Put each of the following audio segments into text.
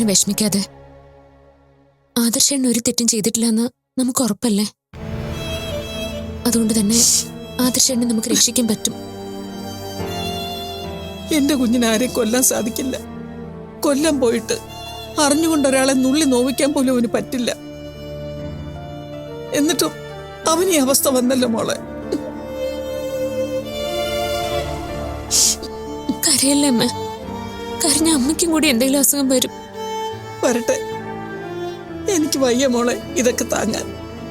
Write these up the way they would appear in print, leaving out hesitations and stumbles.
വിഷമിക്കാതെ. ആദർശൻ ഒരു തെറ്റും ചെയ്തിട്ടില്ലെന്ന് നമുക്ക് ഉറപ്പല്ലേ? അതുകൊണ്ട് തന്നെ ആദർശനെ നമുക്ക് രക്ഷിക്കാൻ പറ്റും. എന്റെ കുഞ്ഞിനെ ആരെയും കൊല്ലാൻ സാധിക്കില്ല. കൊല്ലാൻ പോയിട്ട് അറിഞ്ഞുകൊണ്ട് ഒരാളെ നുള്ളി നോവിക്കാൻ പോലും അവന് പറ്റില്ല. എന്നിട്ടും അവന് ഈ അവസ്ഥ വന്നല്ലോ മോളെ. കരയല്ലേ അമ്മ? കരഞ്ഞ അമ്മയ്ക്കും കൂടി എന്തെങ്കിലും അസുഖം വരും. വരട്ടെ, എനിക്ക് വയ്യ മോളെ ഇതൊക്കെ താങ്ങാൻ.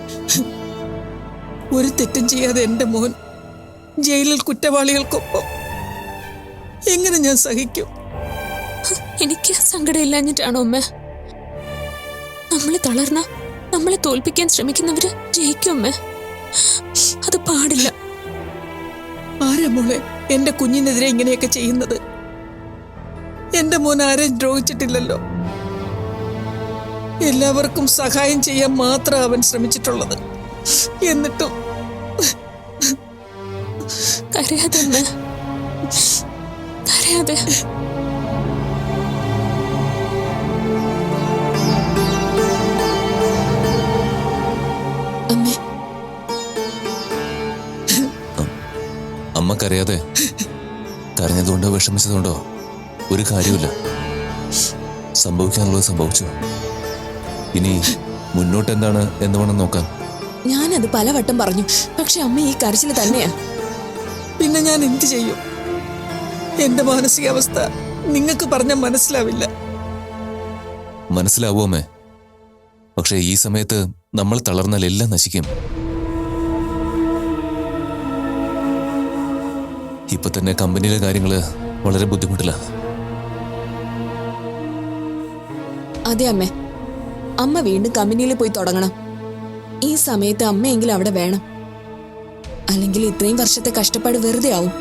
ഒരു തെറ്റും ചെയ്യാതെ എന്റെ മോൻ ജയിലിൽ കുറ്റവാളികൾക്കൊപ്പം എങ്ങനെ ഞാൻ സഹിക്കും? എനിക്ക് സങ്കടമില്ലാഞ്ഞിട്ടാണോ അമ്മ? നമ്മളെ തളർന്ന നമ്മളെ തോൽപ്പിക്കാൻ ശ്രമിക്കുന്നവര് ജയിക്കും അമ്മ. അത് പാടില്ല. ആരാ മോളെ എന്റെ കുഞ്ഞിനെതിരെ ഇങ്ങനെയൊക്കെ ചെയ്യുന്നത്? എന്റെ മോൻ ആരെയും ദ്രോഹിച്ചിട്ടില്ലല്ലോ. എല്ലാവർക്കും സഹായം ചെയ്യാൻ മാത്രം അവൻ ശ്രമിച്ചിട്ടുള്ളത്. എന്നിട്ടും കരയാതെ അമ്മ, കരയാതെ. അമ്മേ, അമ്മക്കറിയാതെ കരഞ്ഞതുകൊണ്ടോ വിഷമിച്ചതുകൊണ്ടോ ഒരു കാര്യമില്ല. സംഭവിക്കാനുള്ളത് സംഭവിച്ചു. ഇനി മുന്നോട്ട് എന്താണ് എന്ന് വേണം നോക്കാം. ഞാനത് പലവട്ടം പറഞ്ഞു, പക്ഷെ അമ്മ ഈ കരച്ചിൽ തന്നെയാ. പിന്നെ ഞാൻ എന്ത് ചെയ്യും? എന്റെ മാനസികാവസ്ഥ നിങ്ങൾക്ക് പറഞ്ഞാൽ മനസ്സിലാവില്ല. മനസ്സിലാവോ അമ്മേ? പക്ഷെ ഈ സമയത്ത് നമ്മൾ തളർന്നാൽ എല്ലാം നശിക്കും. ഇപ്പൊ തന്നെ കമ്പനിയിലെ കാര്യങ്ങള് വളരെ ബുദ്ധിമുട്ടില്ല. അതെ അമ്മേ, അമ്മ വീണ്ടും കമ്പനിയിൽ പോയി തുടങ്ങണം. ഈ സമയത്ത് അമ്മയെങ്കിലും അവിടെ വേണം. അല്ലെങ്കിൽ ഇത്രയും വർഷത്തെ കഷ്ടപ്പാട് വെറുതെ ആവും.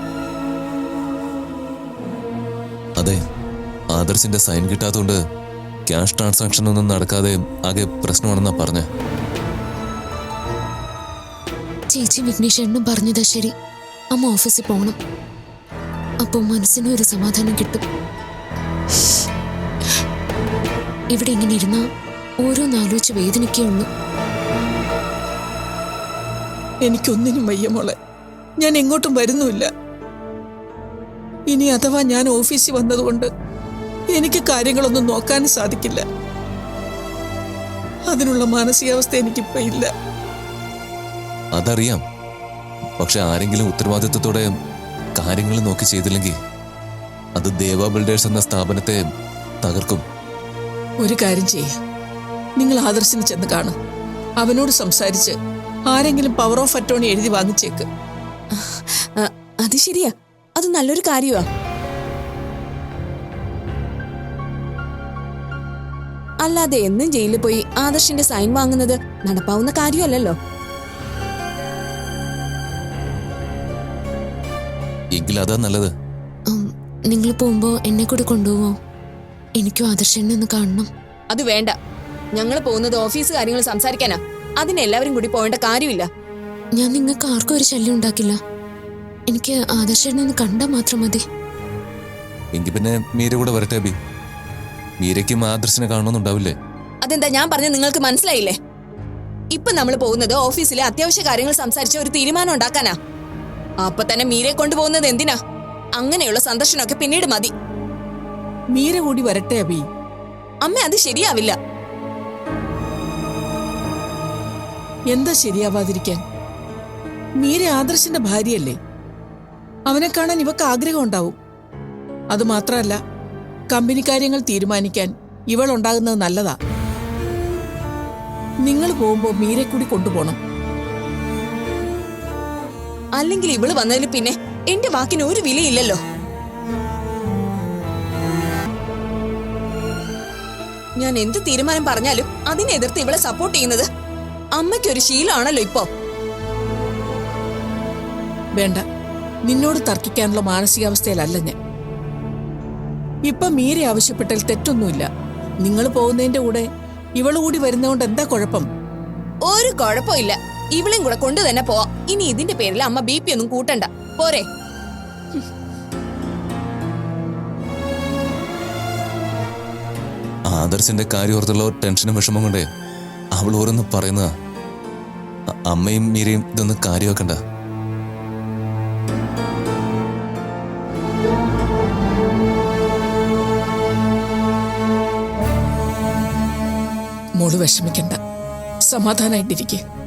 അതെ, ആദർശിന്റെ സൈൻ കിട്ടാത്തതുകൊണ്ട് ക്യാഷ് ട്രാൻസാക്ഷൻ ഒന്നും നടക്കാതെ ആകെ പ്രശ്നമാണെന്നാ പറഞ്ഞ. ചേച്ചി വിഘ്നേശ്വരനും പറഞ്ഞതാ ശരി. അമ്മ ഓഫീസിൽ പോകണം. അപ്പോൾ മനസ്സിനും ഒരു സമാധാനം കിട്ടും. ഇവിടെ ഇങ്ങനെ ഇരുന്നാ ഓരോന്നാലോചിച്ച് വേദനിക്കേ ഉള്ളൂ. എനിക്കൊന്നിനും വയ്യ മോളെ. ഞാൻ എങ്ങോട്ടും വരുന്നുമില്ല. ഇനി അഥവാ ഞാൻ ഓഫീസിൽ വന്നതുകൊണ്ട് എനിക്ക് കാര്യങ്ങളൊന്നും നോക്കാനും സാധിക്കില്ല. അതിനുള്ള മാനസികാവസ്ഥ എനിക്കിപ്പോ ഇല്ല. അതറിയാം. പക്ഷെ ആരെങ്കിലും ഉത്തരവാദിത്വത്തോടെ കാര്യങ്ങൾ നോക്കി ചെയ്തില്ലെങ്കിൽ അത് ദേവ ബിൽഡേഴ്സ് എന്ന സ്ഥാപനത്തെ തകർക്കും. ഒരു കാര്യം ചെയ്യ, നിങ്ങൾ ആദർശിനെ ചെന്ന് കാണും. അവനോട് സംസാരിച്ച് ആരെങ്കിലും പവർ ഓഫ് അറ്റോർണി എഴുതി വാങ്ങിച്ചേക്ക്. അത് ശരിയാ, അത് നല്ലൊരു കാര്യമാ. അല്ലാതെ എന്നും ജയിലിൽ പോയി ആദർശിന്റെ സൈൻ വാങ്ങുന്നത് നടപ്പാവുന്ന കാര്യമല്ലല്ലോ. എങ്കിൽ അതാ നല്ലത്. നിങ്ങൾ പോകുമ്പോ എന്നെ കൂടെ കൊണ്ടുപോവോ? എനിക്കും ആദർശനെ ഒന്ന് കാണണം. അത് വേണ്ട. ഞങ്ങൾ പോകുന്നത് ഓഫീസ് കാര്യങ്ങൾ സംസാരിക്കാനാ. അതിന് എല്ലാവരും കൂടി പോകേണ്ട കാര്യമില്ല. ഞാൻ നിങ്ങൾക്ക് ആർക്കും ഒരു ശല്യം ഉണ്ടാക്കില്ല. എനിക്ക് ആദർശനെ ഒന്ന് കണ്ടാൽ മാത്രം മതി. എങ്കിൽ പിന്നെ മീര കൂടെ വരട്ടെ അബി. മീരയ്ക്കും ആദർശിനെ കാണണമെന്നുണ്ടാവില്ലേ? അതെന്താ ഞാൻ പറഞ്ഞത് നിങ്ങൾക്ക് മനസ്സിലായില്ലേ? ഇപ്പൊ നമ്മൾ പോകുന്നത് ഓഫീസിലെ അത്യാവശ്യ കാര്യങ്ങൾ സംസാരിച്ച ഒരു തീരുമാനം ഉണ്ടാക്കാനാ. അപ്പൊ തന്നെ മീരയെ കൊണ്ടുപോകുന്നത് എന്തിനാ? അങ്ങനെയുള്ള സന്ദർശനമൊക്കെ പിന്നീട് മതി. മീര കൂടി വരട്ടെ അബി. അമ്മ, അത് ശരിയാവില്ല. എന്താ ശരിയാവാതിരിക്കാൻ? മീര ആദർശിന്റെ ഭാര്യയല്ലേ. അവനെ കാണാൻ ഇവക്ക് ആഗ്രഹം ഉണ്ടാവും. അതുമാത്രമല്ല, കമ്പനി കാര്യങ്ങൾ തീരുമാനിക്കാൻ ഇവൾ ഉണ്ടാകുന്നത് നല്ലതാ. നിങ്ങൾ പോകുമ്പോ മീരെ കൂടി കൊണ്ടുപോകണം. അല്ലെങ്കിൽ ഇവള് വന്നതിന് പിന്നെ എന്റെ വാക്കിന് ഒരു വിലയില്ലല്ലോ. ഞാൻ എന്ത് തീരുമാനം പറഞ്ഞാലും അതിനെ എതിർത്ത് ഇവളെ സപ്പോർട്ട് ചെയ്യുന്നത് അമ്മയ്ക്കൊരു ശീലമാണല്ലോ ഇപ്പോ. വേണ്ട, നിന്നോട് തർക്കിക്കാനുള്ള മാനസികാവസ്ഥയിലല്ല ഞാൻ. ഇപ്പൊ മീര ആവശ്യപ്പെട്ടാൽ തെറ്റൊന്നുമില്ല. നിങ്ങൾ പോകുന്നതിന്റെ കൂടെ ഇവള് കൂടി വരുന്നതുകൊണ്ട് എന്താ കുഴപ്പം? ഒരു കുഴപ്പമില്ല. ഇവളെയും കൂടെ കൊണ്ടു തന്നെ പോവാ. ഇനി ഇതിന്റെ പേരിൽ അമ്മ BP ഒന്നും കൂട്ടണ്ട. പോരെ? ആദർശിന്റെ കാര്യം ഓർത്തുള്ള ടെൻഷനും വിഷമം കൊണ്ടേ അവൾ ഓരോന്ന് പറയുന്നതാ. അമ്മയും മീരയും ഇതൊന്നും കാര്യമാക്കണ്ട. മോള് വിഷമിക്കണ്ട, സമാധാനായിട്ടിരിക്കെ.